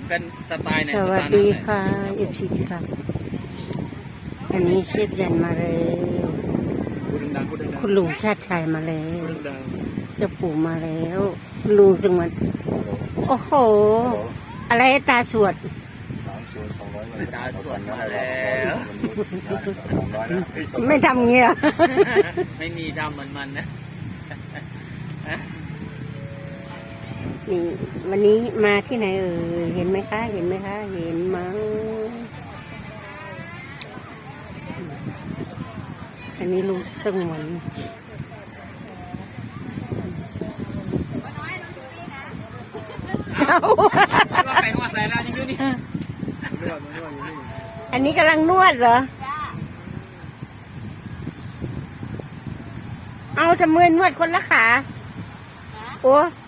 เป็นสไตล์ไหนสวัสดีค่ะเอฟซีที่รักอันนี้เชฟยันมาแล้วคุณลุงชาติชายมาแล้วเจ้าปู่มาแล้วลุงจังหวัดโอ้โห อะไรตาสวดตาสวนมาแล้วไม่ทำเงี้ยไม่มีดำมันนะนี่วันนี้มาที่ไหนเห็นไหมคะ เห็นไหมคะ เห็นมั้งอันนี้ลุงสงวนว่าไปว่าใส่แล้วยังอยู่นี่อันนี้กำลังนวดเหรอ เอาทำมือนวดคนละขาโอ้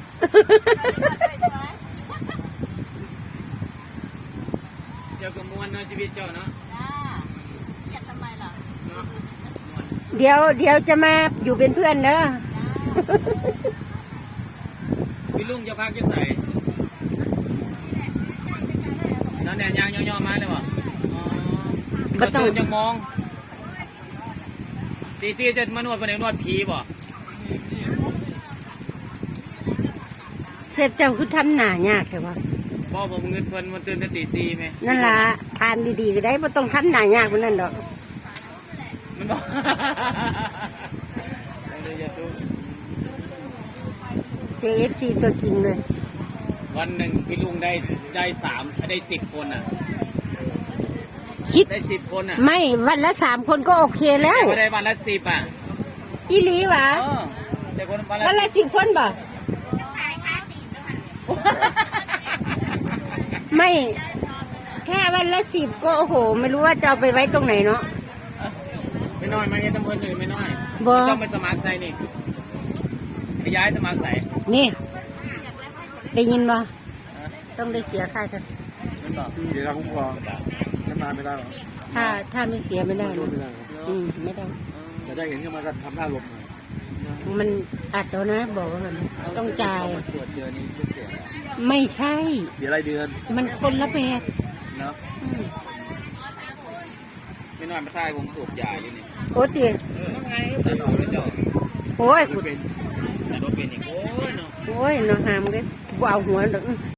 เจ้าก็มวนเนาะชีวิตเจ้าเนาะเกลียดทำไมล่ะเนาะเดี๋ยวจะมาอยู่เป็นเพื่อนเนอะพี่ลุงจะพักจะใส่นั่นเนี่ยยางย่อๆมาเลยวะก็ต้องยังมองตีจะมานวดเป็นนวดผีบ่เสพเจ้าคือทำหน้ายากแต่ว่าพ่อผมเงินเพิ่นมันตื่นแต่ตีสี่ไหมนั่นล่ะทานดีๆก็ได้ไม่ต้องทำหน้ายากกว่านั้นดอกมันบอกเลยจะตู้ JFC ตัวจริงเลยวันหนึ่งพี่ลุงได้10 คนอ่ะคิดได้10 คนอ่ะไม่วันละ3 คนก็โอเคแล้วไม่ได้วันละ10อ่ะอีหลีหวะแต่คนวันวันละละ10 คนบ่ไม่แค่วันละ10ก็โอ้โห ไม่รู้ว่าจะเอาไปไว้ตรงไหนเนาะไม่น้อยมาเฮ็ดตำบลอื่นไม่น้อยบ่ต้องไปสมัครใส่นี่ไปย้ายสมัครใส่นี่ได้ยินบ่ต้องได้เสียค่ากันมันบอกเดี๋ยวเราคุ้มครองทำงานไม่ได้หรอถ้าไม่เสียไม่ได้ไม่นะได้ไม่ได้แต่ได้เห็นขึ้นมาก็ทำหน้าลมมันอัดแล้วนะ บอกว่ามันต้องจ่ายตรวจเดือนนี้เสียไม่ใช่เสียรายเดือนมันคนละแบบเนาะไม่น้อยมาท่ายผมสูบยาอยู่นี่โอ้ตีแต่ดอกไม่เจาะโอ้ยเป็นแต่รถเป็นอีกโอ้ยเนาะโอ้ยน้องหามเลยบ่เอาหัวดอก